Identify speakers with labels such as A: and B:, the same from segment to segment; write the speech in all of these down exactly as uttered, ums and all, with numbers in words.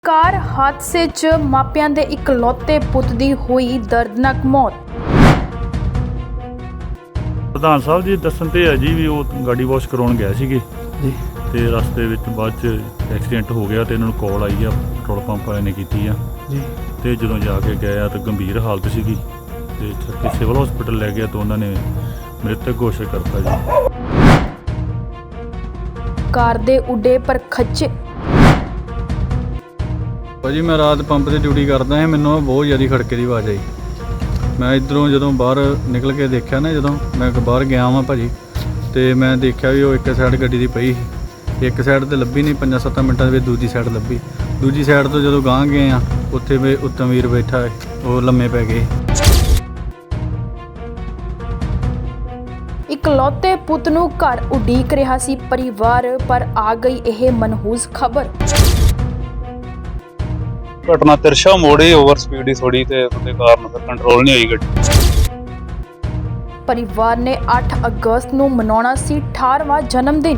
A: ਕਾਰ ਹਾਦਸੇ 'ਚ ਮਾਪਿਆਂ ਦੇ ਇਕਲੌਤੇ ਪੁੱਤ ਦੀ ਹੋਈ ਦਰਦਨਾਕ ਮੌਤ।
B: ਪ੍ਰਧਾਨ ਸਾਹਿਬ ਜੀ ਦੱਸਣ ਤੇ ਹੈ ਜੀ ਵੀ ਉਹ ਗਾੜੀ ਵਾਸ਼ ਕਰਾਉਣ ਗਏ ਸੀਗੇ
C: ਜੀ
B: ਤੇ ਰਸਤੇ ਵਿੱਚ ਬਾਅਦ 'ਚ ਐਕਸੀਡੈਂਟ ਹੋ ਗਿਆ ਤੇ ਇਹਨਾਂ ਨੂੰ ਕਾਲ ਆਈ ਆ ਪੈਟਰੋਲ ਪੰਪ ਵਾਲਿਆਂ ਨੇ ਕੀਤੀ ਆ
C: ਜੀ
B: ਤੇ ਜਦੋਂ ਜਾ ਕੇ ਗਏ ਆ ਤਾਂ ਗੰਭੀਰ ਹਾਲਤ ਸੀਗੀ ਤੇ ਛੱਤੀ ਸਿਵਲ ਹਸਪੀਟਲ ਲੈ ਗਿਆ ਤਾਂ ਉਹਨਾਂ ਨੇ ਮ੍ਰਿਤਕ ਘੋਸ਼ਿਤ ਕਰਤਾ ਜੀ।
A: ਕਾਰ ਦੇ ਉੱਡੇ ਪਰ ਖੱਚੇ।
C: ਭਾਜੀ ਮੈਂ ਰਾਤ ਪੰਪ ਤੇ ਡਿਊਟੀ ਕਰਦਾ ਹਾਂ, ਮੈਨੂੰ ਬਹੁਤ ਜ਼ਿਆਦਾ ਖੜਕੇ ਦੀ ਆਵਾਜ਼ ਆਈ। ਮੈਂ ਇੱਧਰੋਂ ਜਦੋਂ ਬਾਹਰ ਨਿਕਲ ਕੇ ਦੇਖਿਆ ਨਾ, ਜਦੋਂ ਮੈਂ ਬਾਹਰ ਗਿਆ ਵਾਂ ਭਾਜੀ ਤੇ ਮੈਂ ਦੇਖਿਆ ਵੀ ਉਹ ਇੱਕ ਸਾਈਡ ਗੱਡੀ ਦੀ ਪਈ ਸੀ, ਇੱਕ ਸਾਈਡ ਤੇ ਲੱਭੀ ਨਹੀਂ, ਪੰਜਾਂ ਸੱਤਾਂ ਮਿੰਟਾਂ ਦੇ ਵਿੱਚ ਦੂਜੀ ਸਾਈਡ ਲੱਭੀ। ਦੂਜੀ ਸਾਈਡ ਤੋਂ ਜਦੋਂ ਗਾਂਹ ਗਏ ਆ ਉੱਥੇ ਵੀ ਉੱਤਮ ਵੀਰ ਬੈਠਾ ਹੈ, ਉਹ ਲੰਮੇ ਪੈ ਗਏ।
A: ਇਕਲੌਤੇ ਪੁੱਤ ਨੂੰ ਘਰ ਉਡੀਕ ਰਿਹਾ ਸੀ ਪਰਿਵਾਰ, ਪਰ ਆ ਗਈ ਇਹ ਮਨਹੂਸ ਖਬਰ।
D: ਘਟਨਾ ਤਿਰਸ਼ਾ ਮੋੜੇ ਓਵਰ ਸਪੀਡ ਹੀ ਥੋੜੀ ਤੇ ਉਹਦੇ ਕਾਰਨ ਫਿਰ ਕੰਟਰੋਲ ਨਹੀਂ ਹੋਈ ਗੱਡੀ।
A: ਪਰਿਵਾਰ ਨੇ ਅੱਠ ਅਗਸਤ ਨੂੰ ਮਨਾਉਣਾ ਸੀ ਅਠਾਰਵਾਂ ਜਨਮ ਦਿਨ।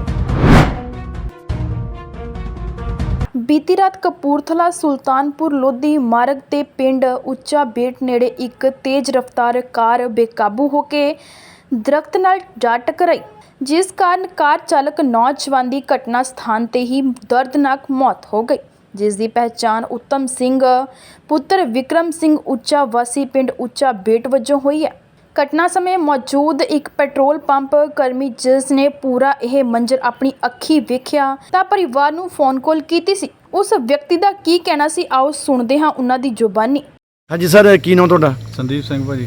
A: ਬੀਤੀ ਰਾਤ ਕਪੂਰਥਲਾ ਸੁਲਤਾਨਪੁਰ ਲੋਧੀ ਮਾਰਗ ਤੇ ਪਿੰਡ ਉੱਚਾ ਬੇਟ ਨੇੜੇ ਇੱਕ ਤੇਜ਼ ਰਫ਼ਤਾਰ ਕਾਰ ਬੇਕਾਬੂ ਹੋ ਕੇ ਦਰਖਤ ਨਾਲ ਜਾ ਟਕਰਾਈ, ਜਿਸ ਕਾਰਨ ਕਾਰ ਚਾਲਕ ਨੌਜਵਾਨ ਦੀ ਘਟਨਾ ਸਥਾਨ ਤੇ ਹੀ ਦਰਦਨਾਕ ਮੌਤ ਹੋ ਗਈ, ਜਿਸ ਦੀ ਪਹਿਚਾਣ ਉੱਤਮ ਸਿੰਘ ਪੁੱਤਰ ਵਿਕਰਮ ਸਿੰਘ ਉੱਚਾ ਵਾਸੀ ਪਿੰਡ ਉੱਚਾ ਬੇਟ ਵਜੋਂ ਹੋਈ ਹੈ। ਘਟਨਾ ਸਮੇਂ ਮੌਜੂਦ ਇੱਕ ਪੈਟਰੋਲ ਪੰਪ ਕਰਮੀ ਜਿਸ ਨੇ ਪੂਰਾ ਇਹ ਮੰਜ਼ਰ ਆਪਣੀ ਅੱਖੀਂ ਵੇਖਿਆ ਤਾਂ ਪਰਿਵਾਰ ਨੂੰ ਫੋਨ ਕਾਲ ਕੀਤੀ ਸੀ। ਉਸ ਵਿਅਕਤੀ ਦਾ ਕੀ ਕਹਿਣਾ ਸੀ, ਆਓ ਸੁਣਦੇ ਹਾਂ ਉਹਨਾਂ ਦੀ ਜ਼ੁਬਾਨੀ।
C: ਹਾਂਜੀ ਸਰ, ਕੀ ਨਾਮ ਤੁਹਾਡਾ? ਸੰਦੀਪ ਸਿੰਘ ਭਾਜੀ।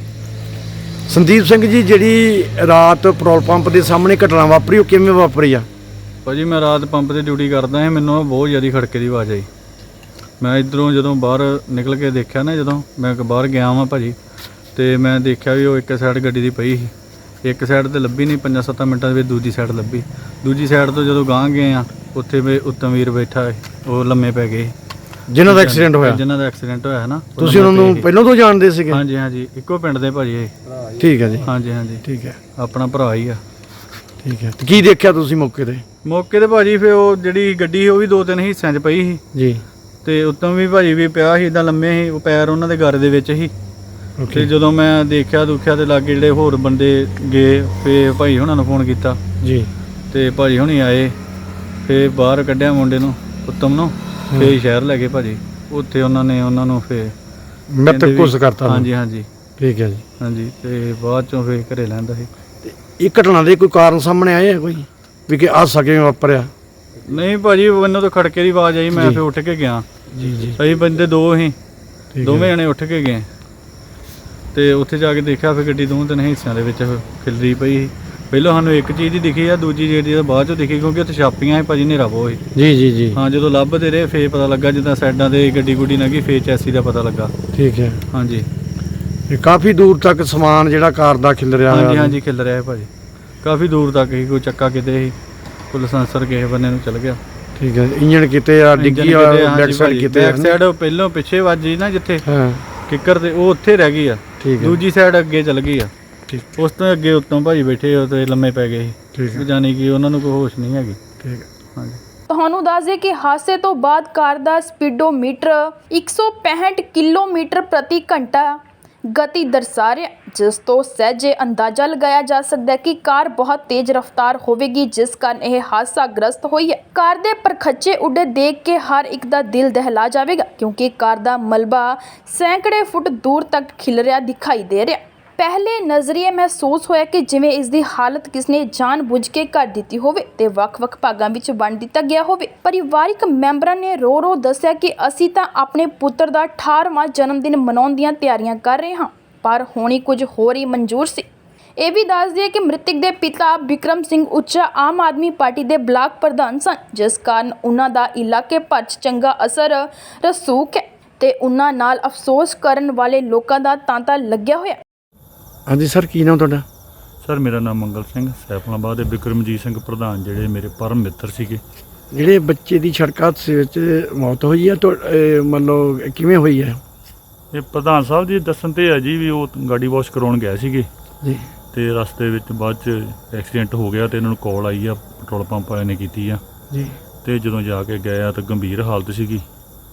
E: ਸੰਦੀਪ ਸਿੰਘ ਜੀ, ਜਿਹੜੀ ਰਾਤ ਪੈਟਰੋਲ ਪੰਪ ਦੇ ਸਾਹਮਣੇ ਘਟਨਾ ਵਾਪਰੀ, ਉਹ ਕਿਵੇਂ ਵਾਪਰੀ ਆ?
C: ਭਾਜੀ ਮੈਂ ਰਾਤ ਪੰਪ ਤੇ ਡਿਊਟੀ ਕਰਦਾ ਹਾਂ, ਮੈਨੂੰ ਬਹੁਤ ਜ਼ਿਆਦਾ ਖੜਕੇ ਦੀ ਆਵਾਜ਼ ਆਈ। ਮੈਂ ਇੱਧਰੋਂ ਜਦੋਂ ਬਾਹਰ ਨਿਕਲ ਕੇ ਦੇਖਿਆ ਨਾ, ਜਦੋਂ ਮੈਂ ਬਾਹਰ ਗਿਆ ਵਾਂ ਭਾਜੀ ਤੇ ਮੈਂ ਦੇਖਿਆ ਵੀ ਉਹ ਇੱਕ ਸਾਈਡ ਗੱਡੀ ਦੀ ਪਈ ਸੀ, ਇੱਕ ਸਾਈਡ ਤੇ ਲੱਭੀ ਨਹੀਂ, ਪੰਜਾਂ ਸੱਤਾਂ ਮਿੰਟਾਂ ਦੇ ਵਿੱਚ ਦੂਜੀ ਸਾਈਡ ਲੱਭੀ। ਦੂਜੀ ਸਾਈਡ ਤੋਂ ਜਦੋਂ ਗਾਂਹ ਗਏ ਆ ਉੱਥੇ ਵੀ ਉੱਤਮ ਵੀਰ ਬੈਠਾ ਹੈ, ਉਹ ਲੰਮੇ ਪੈ ਗਏ।
E: ਜਿਨ੍ਹਾਂ ਦਾ ਐਕਸੀਡੈਂਟ ਹੋਇਆ?
C: ਜਿਨ੍ਹਾਂ ਦਾ ਐਕਸੀਡੈਂਟ ਹੋਇਆ ਹੈ ਨਾ।
E: ਤੁਸੀਂ ਉਹਨਾਂ ਨੂੰ ਪਹਿਲਾਂ ਤੋਂ ਜਾਣਦੇ ਸੀਗੇ?
C: ਹਾਂਜੀ ਹਾਂਜੀ, ਇੱਕੋ ਪਿੰਡ ਦੇ ਭਾਜੀ ਇਹ।
E: ਠੀਕ ਹੈ ਜੀ।
C: ਹਾਂਜੀ ਹਾਂਜੀ
E: ਠੀਕ ਹੈ,
C: ਆਪਣਾ ਭਰਾ ਹੀ ਆ।
E: ਠੀਕ ਹੈ। ਤੇ ਕੀ ਦੇਖਿਆ ਤੁਸੀਂ ਮੌਕੇ ਤੇ?
C: ਮੌਕੇ ਤੇ ਭਾਜੀ ਫਿਰ ਉਹ ਜਿਹੜੀ ਗੱਡੀ ਸੀ ਉਹ ਵੀ ਦੋ ਤਿੰਨ ਹਿੱਸਿਆਂ 'ਚ ਪਈ ਸੀ
E: ਜੀ,
C: ਤੇ ਉੱਤੋਂ ਵੀ ਭਾਜੀ ਵੀ ਪਿਆ ਸੀ, ਇੱਦਾਂ ਲੰਮੇ ਸੀ, ਉਹ ਪੈਰ ਉਹਨਾਂ ਦੇ ਗਰ ਦੇ ਵਿੱਚ ਸੀ। ਤੇ ਜਦੋਂ ਮੈਂ ਦੇਖਿਆ ਦੁਖਿਆ ਤੇ ਲਾਗੇ ਜਿਹੜੇ ਹੋਰ ਬੰਦੇ ਗਏ, ਫਿਰ ਭਾਈ ਹੁਣਾਂ ਨੂੰ ਫੋਨ ਕੀਤਾ
E: ਜੀ
C: ਤੇ ਭਾਜੀ ਹੁਣੀ ਆਏ, ਫਿਰ ਬਾਹਰ ਕੱਢਿਆ ਮੁੰਡੇ ਨੂੰ, ਉੱਤਮ ਨੂੰ, ਫਿਰ ਸ਼ਹਿਰ ਲੈ ਗਏ ਭਾਜੀ। ਉੱਥੇ ਉਹਨਾਂ ਨੇ ਉਹਨਾਂ ਨੂੰ ਫਿਰ
E: ਮ੍ਰਿਤਕ ਘੋਸ਼ਿਤ ਕਰਤਾ?
C: ਹਾਂਜੀ ਹਾਂਜੀ
E: ਠੀਕ ਹੈ ਜੀ।
C: ਹਾਂਜੀ, ਤੇ ਬਾਅਦ ਚੋਂ ਫਿਰ ਘਰੇ ਲੈਂਦਾ ਸੀ।
E: ਤੇ ਇਹ ਘਟਨਾ ਦੇ ਕੋਈ ਕਾਰਨ ਸਾਹਮਣੇ ਆਏ ਆ ਕੋਈ ਵੀ ਕਿ ਹਾਦਸਾ ਕਿਵੇਂ ਵਾਪਰਿਆ?
C: ਨਹੀਂ ਭਾਜੀ, ਮੈਨੂੰ ਤਾਂ ਖੜਕੇ ਦੀ ਆਵਾਜ਼ ਆਈ, ਮੈਂ ਫਿਰ ਉੱਠ ਕੇ ਗਿਆ।
E: ਜੀ ਜੀ।
C: ਅਸੀਂ ਬੰਦੇ ਦੋ ਸੀ, ਦੋਵੇਂ ਜਣੇ ਉੱਠ ਕੇ ਗਏ ਤੇ ਉੱਥੇ ਜਾ ਕੇ ਦੇਖਿਆ ਫਿਰ ਗੱਡੀ ਦੋ ਤਿੰਨ ਹਿੱਸਿਆਂ ਦੇ ਵਿੱਚ ਖਿਲਰੀ ਪਈ ਸੀ। ਪਹਿਲਾਂ ਸਾਨੂੰ ਇੱਕ ਚੀਜ਼ ਹੀ ਦਿਖੀ ਆ, ਦੂਜੀ ਜਿਹੜੀ ਬਾਅਦ ਚੋਂ ਦਿਖੀ, ਕਿਉਂਕਿ ਉੱਥੇ ਛਾਪੀਆਂ ਸੀ ਭਾਜੀ, ਹਨੇਰਾ ਬਹੁਤ ਸੀ।
E: ਜੀ ਜੀ ਜੀ।
C: ਹਾਂ, ਜਦੋਂ ਲੱਭਦੇ ਰਹੇ ਫੇਰ ਪਤਾ ਲੱਗਾ, ਜਿੱਦਾਂ ਸਾਈਡਾਂ ਤੇ ਗੱਡੀ ਗੁੱਡੀ ਲੰਘੀ ਫੇਰ ਚੈਸੀ ਦਾ ਪਤਾ ਲੱਗਾ। ਠੀਕ ਹੈ। ਹਾਂਜੀ,
E: ਇਹ ਕਾਫੀ ਦੂਰ ਤੱਕ ਸਮਾਨ ਜਿਹੜਾ ਕਾਰ ਦਾ ਖਿਲ ਰਿਹਾ?
C: ਹਾਂਜੀ ਹਾਂਜੀ, ਖਿਲ ਰਿਹਾ ਹੈ ਭਾਜੀ, ਕਾਫੀ ਦੂਰ ਤੱਕ ਹੀ। ਕੋਈ ਚੱਕਾ ਕਿਤੇ ਸੀ, ਕੋਈ ਲਾਇਸੈਂਸਰ ਕਿਸੇ ਬੰਨੇ ਨੂੰ ਚਲ ਗਿਆ।
E: ਠੀਕ ਹੈ। ਇੰਜਣ ਕਿਤੇ ਆ ਡਿੱਗੀ ਆ, ਬੈਕ ਸਾਈਡ ਕਿਤੇ?
C: ਬੈਕ ਸਾਈਡ ਪਹਿਲਾਂ ਪਿੱਛੇ ਵੱਜੀ ਨਾ ਜਿੱਥੇ
E: ਹਾਂ
C: ਕਿੱਕਰ ਤੇ, ਉਹ ਉੱਥੇ ਰਹਿ ਗਈ ਆ।
E: ਠੀਕ ਹੈ।
C: ਦੂਜੀ ਸਾਈਡ ਅੱਗੇ ਚਲ ਗਈ ਆ।
E: ਠੀਕ।
C: ਉਸ ਤੋਂ ਅੱਗੇ ਉੱਤੋਂ ਭਾਜੀ ਬੈਠੇ ਉਹ ਤੇ ਲੰਮੇ ਪੈ ਗਏ ਸੀ।
E: ਠੀਕ ਹੈ।
C: ਜਾਨੀ ਕਿ ਉਹਨਾਂ ਨੂੰ ਕੋਈ ਹੋਸ਼ ਨਹੀਂ ਹੈਗੀ।
E: ਠੀਕ ਹੈ।
C: ਹਾਂਜੀ।
A: ਤੁਹਾਨੂੰ ਦੱਸ ਦੇ ਕਿ ਹਾਦਸੇ ਤੋਂ ਬਾਅਦ ਕਾਰ ਦਾ ਸਪੀਡੋਮੀਟਰ ਇੱਕ ਸੌ ਪੈਂਹਠ ਕਿਲੋਮੀਟਰ ਪ੍ਰਤੀ ਘੰਟਾ ਗਤੀ ਦਰਸਾ ਰਿਹਾ, ਜਿਸ ਤੋਂ ਸਹਿਜੇ ਅੰਦਾਜ਼ਾ ਲਗਾਇਆ ਜਾ ਸਕਦਾ ਹੈ ਕਿ ਕਾਰ ਬਹੁਤ ਤੇਜ਼ ਰਫ਼ਤਾਰ ਹੋਵੇਗੀ, ਜਿਸ ਕਾਰਨ ਇਹ ਹਾਦਸਾ ਗ੍ਰਸਤ ਹੋਈ ਹੈ। ਕਾਰ ਦੇ ਪਰਖੱਚੇ ਉੱਡੇ ਦੇਖ ਕੇ ਹਰ ਇੱਕ ਦਾ ਦਿਲ ਦਹਿਲਾ ਜਾਵੇਗਾ, ਕਿਉਂਕਿ ਕਾਰ ਦਾ ਮਲਬਾ ਸੈਂਕੜੇ ਫੁੱਟ ਦੂਰ ਤੱਕ ਖਿਲ ਰਿਹਾ ਦਿਖਾਈ ਦੇ ਰਿਹਾ। ਪਹਿਲੇ ਨਜ਼ਰੀਏ ਮਹਿਸੂਸ ਹੋਇਆ ਕਿ ਜਿਵੇਂ ਇਸ ਦੀ ਹਾਲਤ ਕਿਸਨੇ ਜਾਣ-ਬੁੱਝ ਕੇ ਕਰ ਦਿੱਤੀ ਹੋਵੇ ਤੇ ਵੱਖ-ਵੱਖ ਭਾਗਾਂ ਵਿੱਚ ਵੰਡ ਦਿੱਤਾ ਗਿਆ ਹੋਵੇ। ਪਰਿਵਾਰਿਕ ਮੈਂਬਰਾਂ ਨੇ ਰੋ-ਰੋ ਦੱਸਿਆ ਕਿ ਅਸੀਂ ਤਾਂ ਆਪਣੇ ਪੁੱਤਰ ਦਾ ਅਠਾਰਵਾਂ ਜਨਮ ਦਿਨ ਮਨਾਉਣ ਦੀਆਂ ਤਿਆਰੀਆਂ ਕਰ ਰਹੇ ਹਾਂ, ਪਰ ਹੋਣੀ ਕੁਝ ਹੋਰ ਹੀ ਮਨਜ਼ੂਰ ਸੀ। ਇਹ ਵੀ ਦੱਸ ਦਈਏ ਕਿ ਮ੍ਰਿਤਕ ਦੇ ਪਿਤਾ ਵਿਕਰਮ ਸਿੰਘ ਉੱਚਾ ਆਮ ਆਦਮੀ ਪਾਰਟੀ ਦੇ ਬਲਾਕ ਪ੍ਰਧਾਨ ਸਨ, ਜਿਸ ਕਾਰਨ ਉਹਨਾਂ ਦਾ ਇਲਾਕੇ ਭਰ 'ਚ ਚੰਗਾ ਅਸਰ ਰਸੂਖ ਹੈ ਤੇ ਉਹਨਾਂ ਨਾਲ ਅਫਸੋਸ ਕਰਨ ਵਾਲੇ ਲੋਕਾਂ ਦਾ ਤਾਂਤਾ ਲੱਗਿਆ ਹੋਇਆ।
E: ਹਾਂਜੀ ਸਰ, ਕੀ ਨਾਮ ਤੁਹਾਡਾ?
B: ਸਰ ਮੇਰਾ ਨਾਮ ਮੰਗਲ ਸਿੰਘ, ਸੈਫਲਾਬਾਦ ਦੇ ਬਿਕਰਮਜੀਤ ਸਿੰਘ ਪ੍ਰਧਾਨ ਜਿਹੜੇ ਮੇਰੇ ਪਰਮ ਮਿੱਤਰ ਸੀਗੇ।
E: ਜਿਹੜੇ ਬੱਚੇ ਦੀ ਸੜਕ ਹਾਦਸੇ ਵਿੱਚ ਮੌਤ ਹੋਈ ਹੈ, ਮਤਲਬ ਕਿਵੇਂ ਹੋਈ ਹੈ?
B: ਇਹ ਪ੍ਰਧਾਨ ਸਾਹਿਬ ਜੀ ਦੱਸਣ ਤੇ ਹੈ ਜੀ ਵੀ ਉਹ ਗਾੜੀ ਵਾਸ਼ ਕਰਾਉਣ ਗਏ ਸੀਗੇ
E: ਜੀ
B: ਤੇ ਰਸਤੇ ਵਿੱਚ ਬਾਅਦ 'ਚ ਐਕਸੀਡੈਂਟ ਹੋ ਗਿਆ ਤੇ ਇਹਨਾਂ ਨੂੰ ਕਾਲ ਆਈ ਆ ਪੈਟਰੋਲ ਪੰਪ ਵਾਲਿਆਂ ਨੇ ਕੀਤੀ ਆ
E: ਜੀ।
B: ਤੇ ਜਦੋਂ ਜਾ ਕੇ ਗਏ ਆ ਤਾਂ ਗੰਭੀਰ ਹਾਲਤ ਸੀਗੀ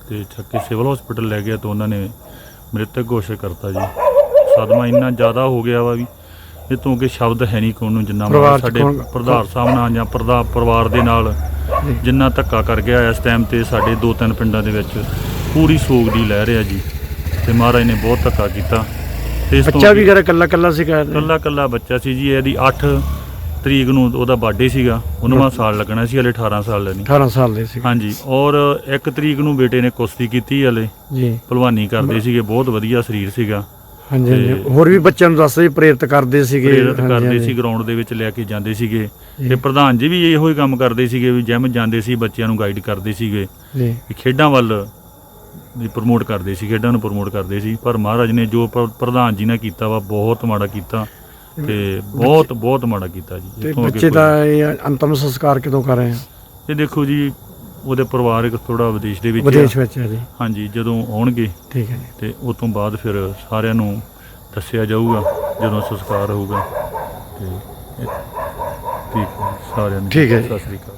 B: ਤੇ ਚੱਕ ਕੇ ਸਿਵਲ ਹਸਪੀਟਲ ਲੈ ਗਿਆ ਤਾਂ ਉਹਨਾਂ ਨੇ ਮ੍ਰਿਤਕ ਘੋਸ਼ਿਤ ਕਰਤਾ ਜੀ। ਸਦਮਾ ਇੰਨਾ ਜ਼ਿਆਦਾ ਹੋ ਗਿਆ ਵਾ ਵੀ ਇਹ ਤੋਂ ਅੱਗੇ ਸ਼ਬਦ ਹੈ ਨਹੀਂ ਕੋਈ ਨੂੰ, ਜਿੰਨਾ
E: ਪਰਿਵਾਰ
B: ਮਾਣ
E: 'ਚ
B: ਸਾਡੇ
E: ਕੌਣ-
B: ਪ੍ਰਧਾਨ ਸਾਹਿਬ ਨਾਲ ਜਾਂ ਪ੍ਰਧਾ ਪਰਿਵਾਰ ਦੇ ਨਾਲ ਜਿੰਨਾ ਧੱਕਾ ਕਰ ਗਿਆ ਇਸ ਟਾਈਮ ਤੇ ਸਾਡੇ ਦੋ ਤਿੰਨ ਪਿੰਡਾਂ ਦੇ ਵਿੱਚ ਪੂਰੀ ਸੋਗ ਦੀ ਲਹਿਰ ਆ ਜੀ। ਤੇ ਮਹਾਰਾਜ ਨੇ ਬਹੁਤ ਧੱਕਾ ਕੀਤਾ ਤੇ ਇਸ ਤੋਂ
E: ਬੱਚਾ ਵੀ ਘਰ ਇਕੱਲਾ ਇਕੱਲਾ ਸੀ ਘਰ ਦੇ?
B: ਕੱਲਾ ਕੱਲਾ ਬੱਚਾ ਸੀ ਜੀ। ਇਹਦੀ ਅੱਠ ਤਰੀਕ ਨੂੰ ਉਹਦਾ ਬਰਥਡੇ ਸੀਗਾ, ਉਨਵਾਂ ਸਾਲ ਲੱਗਣਾ ਸੀ, ਹਲੇ ਅਠਾਰਾਂ ਸਾਲ ਦਾ ਨਹੀਂ।
E: ਅਠਾਰਾਂ ਸਾਲ ਦੇ ਸੀ
B: ਹਾਂਜੀ, ਔਰ ਇੱਕ ਤਰੀਕ ਨੂੰ ਬੇਟੇ ਨੇ ਕੁਸ਼ਤੀ ਕੀਤੀ, ਹਲੇ
E: ਜੀ।
B: ਭਲਵਾਨੀ ਕਰਦੇ ਸੀਗੇ, ਬਹੁਤ ਵਧੀਆ ਸਰੀਰ ਸੀਗਾ।
E: ਹਾਂਜੀ ਹਾਂਜੀ
B: ਤੇ
E: ਹੋਰ ਵੀ ਬੱਚਿਆਂ ਨੂੰ ਦੱਸਦੇ ਪ੍ਰੇਰਿਤ ਕਰਦੇ ਸੀਗੇ?
B: ਪ੍ਰੇਰਿਤ
E: ਹਾਂਜੀ,
B: ਕਰਦੇ
E: ਹਾਂਜੀ।
B: ਸੀ, ਗਰਾਊਂਡ ਦੇ ਵਿੱਚ ਲੈ ਕੇ ਜਾਂਦੇ ਸੀਗੇ।
E: ਜੀ।
B: ਤੇ ਪ੍ਰਧਾਨ ਜੀ ਵੀ ਇਹੋ ਹੀ ਕੰਮ ਕਰਦੇ ਸੀਗੇ ਵੀ ਜਿਮ ਜਾਂਦੇ ਸੀ, ਬੱਚਿਆਂ ਨੂੰ ਗਾਈਡ ਕਰਦੇ ਸੀਗੇ
E: ਜੀ
B: ਵੀ ਖੇਡਾਂ ਵੱਲ ਵੀ ਪ੍ਰਮੋਟ ਕਰਦੇ ਸੀ, ਖੇਡਾਂ ਨੂੰ ਪ੍ਰਮੋਟ ਕਰਦੇ ਸੀ। ਪਰ ਮਹਾਰਾਜ ਨੇ ਜੋ ਪ੍ਰ- ਪ੍ਰਧਾਨ ਜੀ ਨੇ ਕੀਤਾ ਵਾ ਬਹੁਤ ਮਾੜਾ ਕੀਤਾ ਤੇ ਬਹੁਤ ਬਹੁਤ ਮਾੜਾ ਕੀਤਾ ਜੀ।
E: ਤੇ
B: ਇੱਥੋਂ ਅੱਗੇ
E: ਬੱਚੇ
B: ਕੋਈ-
E: ਦਾ ਇਹ ਅੰਤਮ ਸੰਸਕਾਰ ਕਦੋਂ ਕਰ ਰਹੇ ਆ?
B: ਇਹ ਦੇਖੋ ਜੀ, ਉਹਦੇ ਪਰਿਵਾਰਕ ਥੋੜਾ ਵਿਦੇਸ਼ ਦੇ ਵਿੱਚ
E: ਵਿਦੇਸ਼
B: ਆ।
E: ਵਿੱਚ ਹੈ ਜੀ।
B: ਹਾਂਜੀ, ਜਦੋਂ ਆਉਣਗੇ
E: ਠੀਕ ਹੈ ਜੀ।
B: ਤੇ ਉਸ ਤੋਂ ਬਾਅਦ ਫਿਰ ਸਾਰਿਆਂ ਨੂੰ ਦੱਸਿਆ ਜਾਊਗਾ ਜਦੋਂ ਸੰਸਕਾਰ ਹੋਊਗਾ। ਤੇ ਇਹ- ਠੀਕ ਹੈ ਜੀ, ਸਾਰਿਆਂ ਨੂੰ
E: ਠੀਕ ਹੈ ਜੀ।
B: ਸਤਿ ਸ੍ਰੀ ਅਕਾਲ।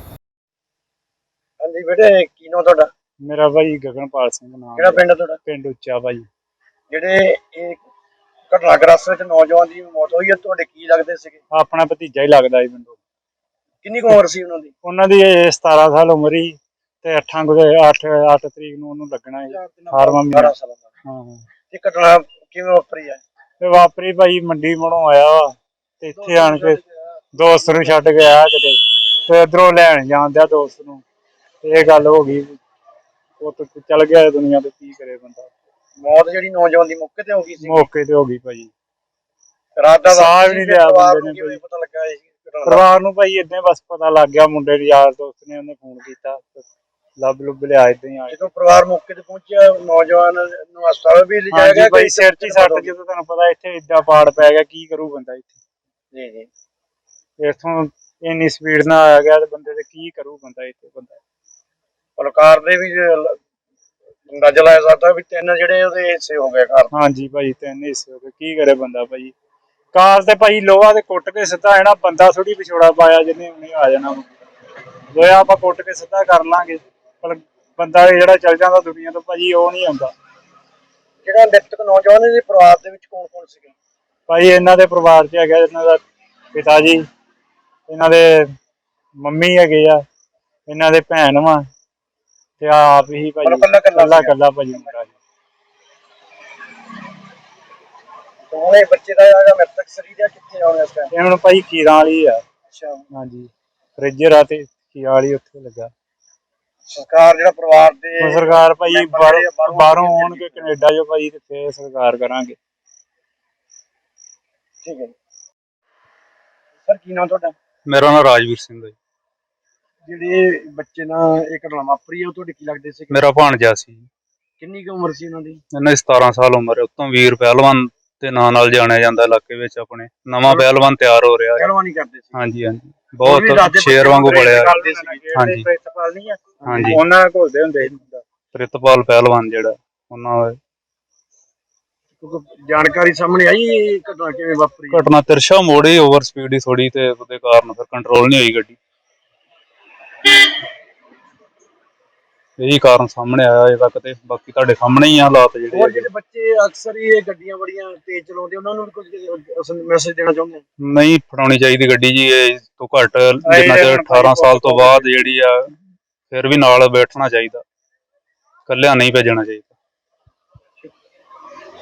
E: ਹਾਂਜੀ ਬੇਟੇ, ਕੀ ਨਾਮ ਤੁਹਾਡਾ?
F: ਮੇਰਾ ਭਾਈ ਗਗਨਪਾਲ ਸਿੰਘ ਨਾਮ
E: ਕਿਹੜਾ ਪਿੰਡ ਹੈ ਤੁਹਾਡਾ?
F: ਪਿੰਡ ਉੱਚਾ ਭਾਈ।
E: ਜਿਹੜੇ ਇਹ ਘਟਨਾਗ੍ਰਸਤ ਵਿੱਚ ਨੌਜਵਾਨ ਦੀ ਮੌਤ ਹੋਈ ਹੈ, ਤੁਹਾਡੇ ਕੀ ਲੱਗਦੇ ਸੀਗੇ?
F: ਆਪਣਾ ਭਤੀਜਾ ਹੀ ਲੱਗਦਾ ਸੀ ਮੈਨੂੰ।
E: ਕਿੰਨੀ ਕੁ ਉਮਰ ਸੀ ਉਹਨਾਂ ਦੀ?
F: ਉਹਨਾਂ ਦੀ ਇਹ ਸਤਾਰਾਂ ਸਾਲ ਉਮਰ ਹੀ ਤੇ ਅੱਠਾਂ ਗੁਰੇ ਅੱਠ ਅੱਠ ਤਰੀਕ ਨੂੰ ਉਹਨੂੰ ਲੱਗਣਾ ਸੀ ਅਠਾਰਵਾਂ ਮਹੀਨਾ।
E: ਅਠਾਰਾਂ ਸਾਲਾਂ ਦਾ।
F: ਹਾਂ ਹਾਂ।
E: ਇਹ ਘਟਨਾ ਕਿਵੇਂ ਵਾਪਰੀ ਹੈ?
F: ਤੇ ਵਾਪਰੀ ਭਾਈ ਮੰਡੀ ਮੜੋਂ ਆਇਆ ਵਾ ਤੇ ਇੱਥੇ ਆਣ ਕੇ ਦੋਸਤ ਨੂੰ ਛੱਡ ਕੇ ਆਇਆ ਕਿਤੇ, ਤੇ ਇਧਰੋਂ ਲੈਣ ਜਾਂਦਿਆ ਦੋਸਤ ਨੂੰ ਤੇ ਇਹ ਗੱਲ ਹੋ ਗਈ। ਉਹ ਤੇ ਚੱਲ ਗਿਆ ਦੁਨੀਆ ਤੇ, ਕੀ ਕਰੇ ਬੰਦਾ।
E: ਮੌਤ ਜਿਹੜੀ ਨੌਜਵਾਨ ਦੀ ਮੌਕੇ ਤੇ ਹੋ ਗਈ ਸੀ?
F: ਮੌਕੇ ਤੇ ਹੋ ਗਈ ਭਾਈ।
E: ਰਾਤ ਦਾ
F: ਸਾਹ
E: ਵਕਤ
F: ਵੀ ਨਹੀਂ
E: ਸੀ,
F: ਲਿਆ
E: ਪਰਿਵਾਰ
F: ਬੰਦੇ
E: ਨੂੰ
F: ਨੇ
E: ਕਿਵੇਂ
F: ਭਾਈ।
E: ਪਤਾ ਲੱਗਾ ਇਸ ਘਟਨਾ ਦਾ?
F: ਪਰਿਵਾਰ ਨੂੰ ਭਾਈ ਏਦਾਂ ਹੀ ਬਸ ਪਤਾ ਲੱਗ ਗਿਆ, ਮੁੰਡੇ ਦੇ ਯਾਰ ਦੋਸਤ ਨੇ ਉਹਨੇ ਫੋਨ ਕੀਤਾ, ਲੱਭ ਲੁੱਭ ਲਿਆ ਏਦਾਂ ਹੀ ਆ ਕੇ।
E: ਜਦੋਂ ਪਰਿਵਾਰ ਮੌਕੇ ਤੇ ਪਹੁੰਚਿਆ, ਨੌਜਵਾਨ ਨੂੰ ਹਸਪਤਾਲ ਵੀ ਲਿਜਾਇਆ
F: ਹਾਂਜੀ
E: ਗਿਆ?
F: ਭਾਈ, ਸਿਰ 'ਚ ਹੀ ਸੱਟ, ਜਦੋਂ ਤੁਹਾਨੂੰ ਪਤਾ ਇੱਥੇ ਏਦਾਂ ਪਾੜ ਪੈ ਗਿਆ, ਕੀ ਕਰੂ ਬੰਦਾ ਇੱਥੇ।
E: ਜੀ ਜੀ।
F: ਇੱਥੋਂ ਇੰਨੀ ਸਪੀਡ ਨਾਲ ਆ ਗਿਆ ਤੇ ਬੰਦੇ ਤੇ ਕੀ ਕਰੂ ਬੰਦਾ ਇੱਥੇ ਬੰਦਾ।
E: ਪਲਕਾਰ ਦੇ ਵੀ ਜੇ ਅੰਦਾਜ਼ਾ ਲਾਇਆ ਸਕਦਾ ਵੀ ਤਿੰਨ ਜਿਹੜੇ ਉਹਦੇ ਹਿੱਸੇ ਹੋ ਗਏ ਘਰ।
F: ਹਾਂਜੀ ਭਾਈ, ਤਿੰਨ ਹਿੱਸੇ ਹੋ ਗਏ, ਕੀ ਕਰੇ ਬੰਦਾ ਭਾਈ। ਕਾਰ ਤੇ ਭਾਈ ਲੋਹਾ ਤੇ ਕੁੱਟ ਕੇ ਸਿੱਧਾ ਆਣਾ, ਬੰਦਾ ਥੋੜੀ ਵਿਛੋੜਾ ਪਾਇਆ ਜਿਹਨੇ ਉਹਨੇ ਆ ਜਾਣਾ। ਲੋਹਾ ਆਪਾਂ ਕੁੱਟ ਕੇ ਸਿੱਧਾ ਕਰ ਲਾਂਗੇ, ਪਰ ਬੰਦਾ ਜਿਹੜਾ ਚੱਲ ਜਾਂਦਾ ਦੁਨੀਆ ਤੋਂ ਭਾਜੀ, ਉਹ ਨਹੀਂ ਆਉਂਦਾ।
E: ਜਿਹੜਾ ਮ੍ਰਿਤਕ ਨੌਜਵਾਨ ਦੇ ਪਰਿਵਾਰ ਦੇ ਵਿੱਚ ਕੌਣ ਕੌਣ ਸੀਗੇ?
F: ਭਾਈ ਇਹਨਾਂ ਦੇ ਪਰਿਵਾਰ 'ਚ ਹੈਗਾ ਇਹਨਾਂ ਦਾ ਪਿਤਾ ਜੀ, ਇਹਨਾਂ ਦੇ ਮੰਮੀ ਹੈਗੇ ਆ, ਇਹਨਾਂ ਦੇ ਭੈਣ ਵਾ ਤੇ ਆਪ ਹੀ ਭਾਜੀ
E: ਕੱਲਾ
F: ਕੱਲਾ ਕੱਲਾ ਭਾਜੀ ਮੁੰਡਾ ਜੀ।
E: ਦੋਵੇਂ ਬੱਚੇ ਦਾ ਜਿਹੜਾ ਮ੍ਰਿਤਕ ਸਰੀਰ ਹੈ ਕਿੱਥੇ ਆਉਣਾ ਇਸ ਟਾਈਮ?
F: ਇਹ ਹੁਣ ਭਾਈ ਖੀਰਾਂ ਵਾਲੀ ਆ।
E: ਅੱਛਾ।
F: ਹਾਂਜੀ, ਫ੍ਰਿਜਰ ਆ ਤੇ ਖੀਰਾਂ ਵਾਲੀ ਉੱਥੇ ਲੱਗਾ।
E: ਸਰਕਾਰ ਜਿਹੜਾ ਪਰਿਵਾਰ ਦੇ
F: ਹੁਣ ਸਰਕਾਰ ਭਾਈ
E: ਮੈਂਬਰ
F: ਬਾਹਰੋਂ
E: ਜਿਹੜੇ ਬਾਹਰੋਂ
F: ਬਾਹਰੋਂ ਆਉਣਗੇ ਕੈਨੇਡਾ ਜੋ ਭਾਈ, ਤੇ ਫੇਰ ਸਰਕਾਰ ਕਰਾਂਗੇ।
E: ਠੀਕ ਹੈ। ਸਰ ਕੀ ਨਾਮ ਤੁਹਾਡਾ?
D: ਮੇਰਾ ਨਾਮ ਰਾਜਵੀਰ ਸਿੰਘ ਹੈ ਜੀ।
E: ਜਿਹੜੇ ਬੱਚੇ ਨਾਲ ਇਹ ਘਟਨਾ ਵਾਪਰੀ ਹੈ, ਉਹ ਤੁਹਾਡੇ ਕੀ ਲੱਗਦੇ ਸੀ?
D: ਮੇਰਾ ਭਾਣਜਾ ਸੀ।
E: ਕਿੰਨੀ ਕੁ ਉਮਰ ਸੀ ਉਹਨਾਂ ਦੀ?
D: ਇਹਨਾਂ ਦੀ ਸਤਾਰਾਂ ਸਾਲ ਉਮਰ ਹੈ। ਉਤੋਂ ਵੀਰ ਪਹਿਲਵਾਨ ਦੇ ਨਾਂ ਨਾਲ ਜਾਣਿਆ ਜਾਂਦਾ ਇਲਾਕੇ ਵਿੱਚ। ਆਪਣੇ ਨਵਾਂ ਪਹਿਲਵਾਨ ਤਿਆਰ ਹੋ ਰਿਹਾ ਹੈ।
E: ਪਹਿਲਵਾਨੀ ਕਰਦੇ ਸੀ?
D: ਹਾਂਜੀ ਹਾਂਜੀ, ਬਹੁਤ ਸ਼ੇਰ ਵਾਂਗੂ ਬੜਿਆ। ਹਾਂਜੀ
F: ਪ੍ਰਿਤਪਾਲ ਨਹੀਂ ਆ,
D: ਹਾਂਜੀ,
F: ਉਹਨਾਂ ਨਾਲ ਘੁਲਦੇ ਹੁੰਦੇ ਸੀ।
D: ਪ੍ਰਿਤਪਾਲ ਪਹਿਲਵਾਨ ਜਿਹੜਾ ਉਹਨਾਂ ਦਾ
E: ਕਿਉਂਕਿ ਜਾਣਕਾਰੀ ਸਾਹਮਣੇ ਆਈ ਇਹ ਘਟਨਾ ਕਿਵੇਂ ਵਾਪਰੀ?
D: ਘਟਨਾ ਤਿਰਸ਼ਾ ਮੋੜੀ, ਓਵਰ ਸਪੀਡ ਹੀ ਥੋੜੀ, ਤੇ ਉਹਦੇ ਕਾਰਨ ਫਿਰ ਕੰਟਰੋਲ ਨਹੀਂ ਹੋਈ ਗੱਡੀ। ਇਹੀ ਕਾਰਨ ਸਾਹਮਣੇ ਆਇਆ ਅਜੇ ਤੱਕ, ਤੇ ਬਾਕੀ ਤੁਹਾਡੇ ਸਾਹਮਣੇ ਹੀ ਆ ਹਾਲਾਤ ਜਿਹੜੇ
E: ਹੋਰ
D: ਹੈਗੇ।
E: ਜਿਹੜੇ ਬੱਚੇ ਅਕਸਰ ਹੀ ਇਹ ਗੱਡੀਆਂ ਬੜੀਆਂ ਤੇਜ਼ ਚਲਾਉਂਦੇ, ਉਹਨਾਂ ਨੂੰ ਵੀ ਕੁਝ ਮੈਸੇਜ ਦੇਣਾ ਚਾਹੁੰਦੇ ਆ?
D: ਨਹੀਂ ਫੜਾਉਣੀ ਚਾਹੀਦੀ ਗੱਡੀ ਜੀ, ਇਹ ਤੋਂ ਘੱਟ ਜਿੰਨਾ ਚਿਰ ਅਠਾਰਾਂ ਸਾਲ ਤੋਂ ਬਾਅਦ ਜਿਹੜੀ ਆ, ਫਿਰ ਵੀ ਨਾਲ ਬੈਠਣਾ ਚਾਹੀਦਾ, ਇਕੱਲਿਆਂ ਨਹੀਂ ਭੇਜਣਾ ਚਾਹੀਦਾ।